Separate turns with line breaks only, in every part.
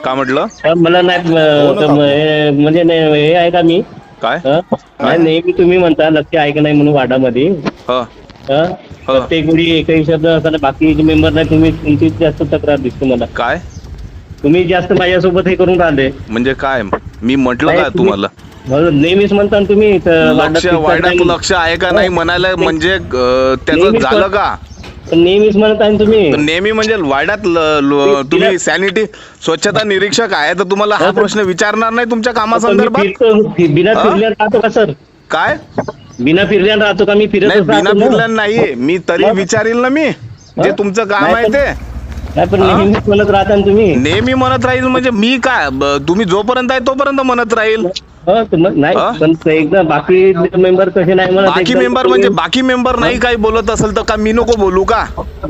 का म्हटलं?
मला नाही म्हणजे हे आहे का मी
काय
नाही नेहमी तुम्ही म्हणता लक्ष आहे का नाही म्हणून वाडामध्ये
ह
प्रत्येक वेळी एकही शब्द असताना बाकी मेंबर नाही तुम्ही तुमचीच जास्त तक्रार दिसते मला.
काय
तुम्ही जास्त माझ्यासोबत हे करून राहिले
म्हणजे काय मी म्हटलं
नाही,
का तुम्हाला?
नेहमीच म्हणता ना तुम्ही
लक्ष वाड्यात लक्ष आहे का नाही म्हणायला म्हणजे त्याचं झालं का?
नेहमीच म्हणत आहे तुम्ही
नेहमी म्हणजे वाड्यात तुम्ही सॅनिटी स्वच्छता निरीक्षक आहे तर तुम्हाला हा प्रश्न विचारणार नाही तुमच्या कामासंदर्भात?
बिना फिरल्या राहतो का सर?
काय
बिना फिरल्या राहतो का? मी फिरत
नाही बिना फिरल्या नाही मी तरी विचारील ना मी जे तुमचं काम आहे ते.
पण नेहमीच म्हणत राहता ना तुम्ही.
नेहमी म्हणत राहील म्हणजे मी काय तुम्ही जोपर्यंत आहे तोपर्यंत म्हणत राहील.
नाही पण एकदा बाकी मेंबर कसे नाही म्हणत.
बाकी मेंबर म्हणजे बाकी मेंबर नाही काही बोलत असेल तर का मी नको बोलू का?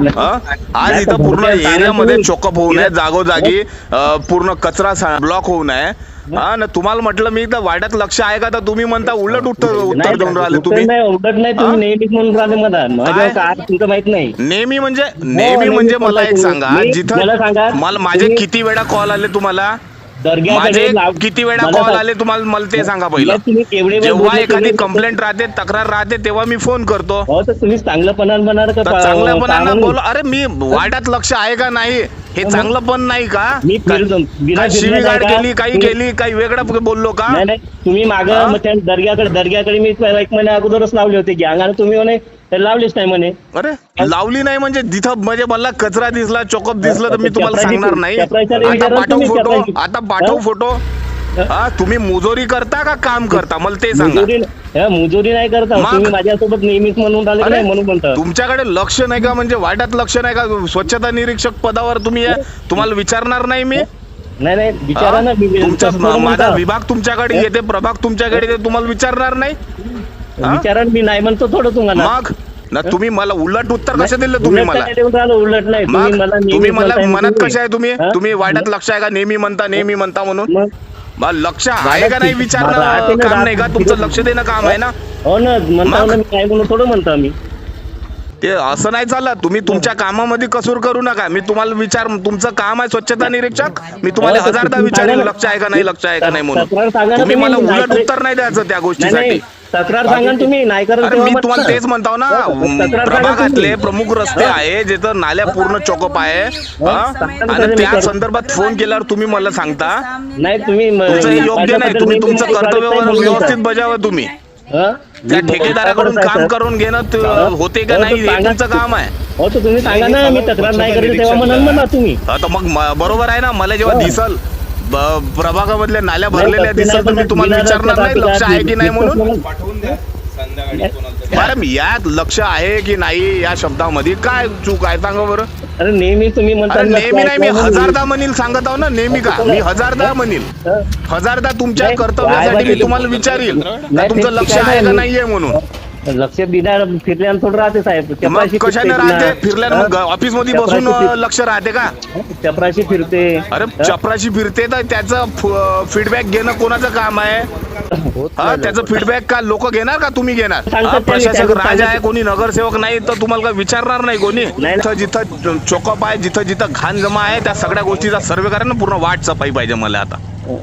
आज इथं पूर्ण एरियामध्ये चोकअप होऊ नये, जागोजागी पूर्ण कचरा ब्लॉक होऊ नये. हा ना तुम्हाला म्हटलं मी तर वाड्यात लक्ष आहे का तर तुम्ही म्हणता उलट उत्तर देऊन राहिले तुम्ही.
उलट नाही तुम्ही नेहमीच म्हणून राहिले मला काय तुमचं माहित नाही.
नेहमी म्हणजे मला एक सांगा जिथं मला माझे किती वेळा कॉल आले तुम्हाला? माझे किती वेळा कॉल आले तुम्हाला मला ते सांगा पहिलं. जेव्हा एखादी कंप्लेंट राहते तक्रार राहते तेव्हा मी फोन करतो.
तुम्ही चांगलंपणानं
चांगल्यापणानं बोल. अरे मी वाड्यात लक्ष आहे का नाही हे चांगलं पण नाही का? शिवीगाळ केली काही वेगळं बोललो का?
नाही तुम्ही मागं दर्ग्याकडे मी 1 महिन्या अगोदरच लावले होते गँग आणि तुम्ही म्हणे लावलीच नाही म्हणे. अरे
लावली नाही म्हणजे जिथं म्हणजे मला कचरा दिसला चोकअप दिसलं तर मी तुम्हाला सांगणार नाही. आता पाठव फोटो. हा तुम्ही मुजोरी करता का काम करता मला ते सांगा.
मुजोरी नाही करता तुम्ही माझ्यासोबत नेहमीच म्हणून राहिले नाही म्हणून म्हणता.
तुमच्याकडे लक्ष नाही का म्हणजे वाड्यात लक्ष नाही का? स्वच्छता निरीक्षक पदावर तुम्ही तुम्हाला विचारणार नाही मी.
नाही विचारा ना.
तुमचा माझा विभाग तुमच्याकडे येते प्रभाग तुमच्याकडे येते तुम्हाला विचारणार नाही.
विचारा मी नाही म्हणतो थोडं तुम्हाला.
मग ना तुम्ही मला उलट उत्तर कसं दिलं तुम्ही मला?
उलट नाही
तुम्ही मला म्हणत कशा आहे तुम्ही वाड्यात लक्ष आहे का नेहमी म्हणता म्हणून लक्ष आहे का नाही विचारणं काम नाही का तुमचं? लक्ष देणं काम आहे ना.
हो ना म्हणता मी काय म्हणून थोडं म्हणता मी
ते असं नाही चालत. तुम्ही तुमच्या कामामध्ये कसूर करू नका. मी तुम्हाला तुमचं काम आहे स्वच्छता निरीक्षक. मी तुम्हाला 1000दा विचारेन लक्ष आहे का नाही म्हणून. तुम्ही मला उलट उत्तर नाही द्यायचं त्या गोष्टीसाठी.
तक्रार सांगा तुम्ही नाही करत.
मी तुम्हाला तेच म्हणतो ना प्रभागातले प्रमुख रस्ते आहे जिथं नाल्या पूर्ण चोकअप आहे आणि त्या संदर्भात फोन केल्यावर तुम्ही मला सांगता
नाही तुम्ही
योग्य नाही. तुम्ही तुमचं कर्तव्य व्यवस्थित बजावा. तुम्ही त्या ठेकेदाराकडून काम करून घेणं होते का नाही हे तुमचं काम आहे.
हो तर तुम्ही सांगा ना मी तक्रार नाही करत तेव्हा म्हणा तुम्ही.
तर मग बरोबर आहे ना. मला जेव्हा दिसल प्रभागामधल्या नाल्या भरलेल्या दिसत तर मी तुम्हाला विचारणार नाही लक्ष आहे की नाही म्हणून. मॅडम यात लक्ष आहे की नाही या शब्दामध्ये काय चूक आहे सांगा बरं?
अरे नेहमी तुम्ही म्हणता.
नेहमी नाही मी 1000दा म्हणील सांगत आहो ना. नेहमी का मी 1000दा म्हणील. 1000दा तुमच्या कर्तव्यासाठी मी तुम्हाला विचारील तुमचं लक्ष आहे का नाहीये म्हणून.
लक्ष बिना फिरल्यानं थोडं राहते साहेब.
कशाने राहते फिरल्यानं? मग ऑफिस मध्ये बसून लक्ष राहते का?
चपराशी फिरते.
अरे चपराशी फिरते तर त्याचं फीडबॅक घेणं कोणाचं काम आहे? त्याचं फीडबॅक का लोक घेणार का तुम्ही घेणार? प्रशासक राजा आहे कोणी नगरसेवक नाही तर तुम्हाला काय विचारणार नाही कोणी? जिथं चोकअप आहे जिथं घाण जमा आहे त्या सगळ्या गोष्टीचा सर्वे करा ना. पूर्ण वाट सफाई पाहिजे मला आता.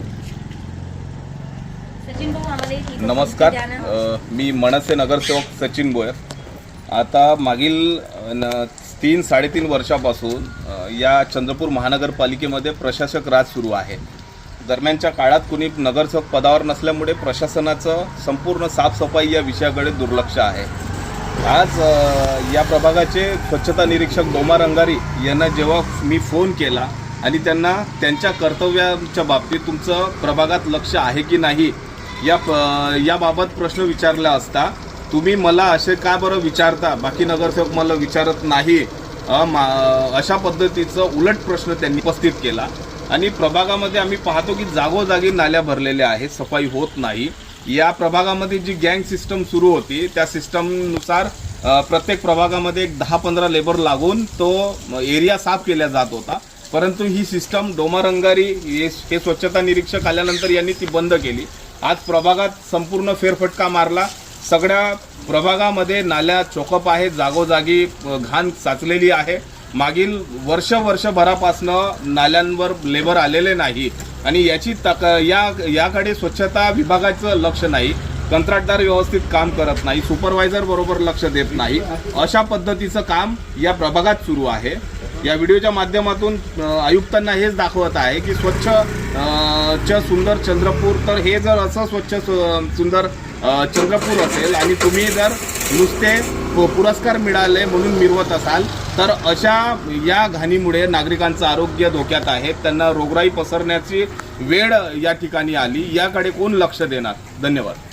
नमस्कार, मी मनसे नगरसेवक सचिन बोयर. आता मागील 3-3.5 वर्षापासून या चंद्रपूर महानगरपालिकेमध्ये प्रशासक राज सुरू आहे. दरम्यानच्या काळात कुणी नगरसेवक पदावर नसल्यामुळे प्रशासनाचं संपूर्ण साफसफाई या विषयाकडे दुर्लक्ष आहे. आज या प्रभागाचे स्वच्छता निरीक्षक डोमा रंगारी यांना जेव्हा मी फोन केला आणि त्यांना त्यांच्या कर्तव्याच्या बाबतीत तुमचं प्रभागात लक्ष आहे की नाही याबाबत प्रश्न विचारला असता तुम्ही मला असे का बरं विचारता, बाकी नगरसेवक मला विचारत नाही, अशा पद्धतीचं उलट प्रश्न त्यांनी उपस्थित केला. आणि प्रभागामध्ये आम्ही पाहतो की जागोजागी नाल्या भरलेल्या आहेत, सफाई होत नाही. या प्रभागामध्ये जी गँग सिस्टम सुरू होती त्या सिस्टमनुसार प्रत्येक प्रभागामध्ये एक 10-15 लेबर लागून तो एरिया साफ केला जात होता. परंतु ही सिस्टम डोमा रंगारी हे स्वच्छता निरीक्षक आल्यानंतर यांनी ती बंद केली. आज प्रभागात संपूर्ण फेरफटका मारला. सगळ्या प्रभागामध्ये नाल्या चोकअप आहे, जागोजागी घाण साचलेली आहे मागील वर्षभरापासनं नाल्यांवर लेबर आलेले नाही आणि याची याकडे स्वच्छता विभागाचं लक्ष नाही, कंत्राटदार व्यवस्थित काम करत नाही, सुपरवायझर बरोबर लक्ष देत नाही, अशा पद्धतीचं काम या प्रभागात सुरू आहे. या व्हिडिओच्या माध्यमातून आयुक्तांना हेच दाखवत आहे की स्वच्छ सुंदर चंद्रपूर, तर हे जर असं स्वच्छ सुंदर चंद्रपूर असेल आणि तुम्ही जर नुसते पुरस्कार मिळाले म्हणून मिरवत असाल तर अशा या घाणीमुळे नागरिकांचं आरोग्य धोक्यात आहे. त्यांना रोगराई पसरण्याची वेळ या ठिकाणी आली. याकडे कोण लक्ष देणार? धन्यवाद.